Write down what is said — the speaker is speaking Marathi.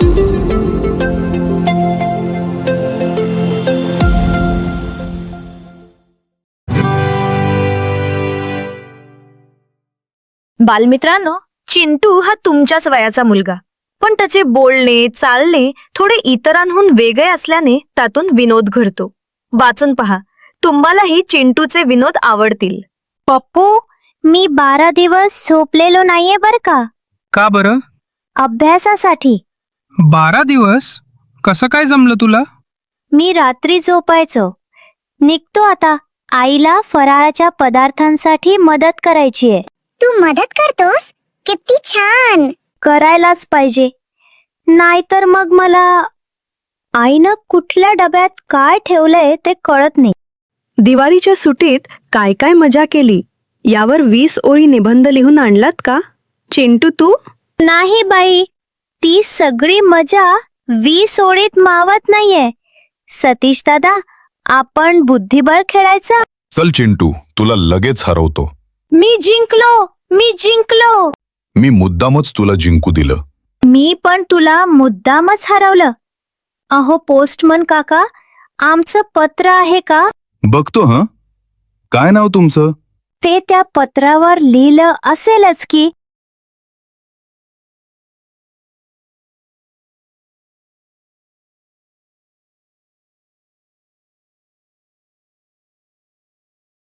बालमित्रांनो, चिंटू हा तुमच्याच वयाचा मुलगा, पण त्याचे बोलणे चालणे थोडे इतरांहून वेगळे असल्याने त्यातून विनोद घडतो. वाचून पहा, तुम्हालाही चिंटूचे विनोद आवडतील. पप्पू, मी 12 दिवस झोपलेलो नाहीये बर का. का बरं? अभ्यासासाठी. 12 दिवस? कसं काय जमलं तुला? मी रात्री झोपायचो. निघतो आता. आईला फराळाच्या पदार्थांसाठी मदत करायची आहे. तू मदत करतोस? किती छान. करायलाच पाहिजे, नाहीतर मग मला आईनं कुठल्या डब्यात काय ठेवलंय ते कळत नाही. दिवाळीच्या सुट्टीत काय काय मजा केली यावर 20 ओळी निबंध लिहून आणलात का? चिंटू तू? नाही बाई, ती सगळी मजा 20 ओळीत मावत नाहीये. सतीश दादा, आपण बुद्धिबळ खेळायचं? चल चिंटू, तुला लगेच हरवतो. मी जिंकलो. मी मुद्दामच तुला जिंकू दिलं. मी पण तुला मुद्दामच हरवलं. अहो पोस्टमन काका, आमचं पत्र आहे का? बघतो. काय नाव तुमचं? ते त्या पत्रावर लिहिलं असेलच की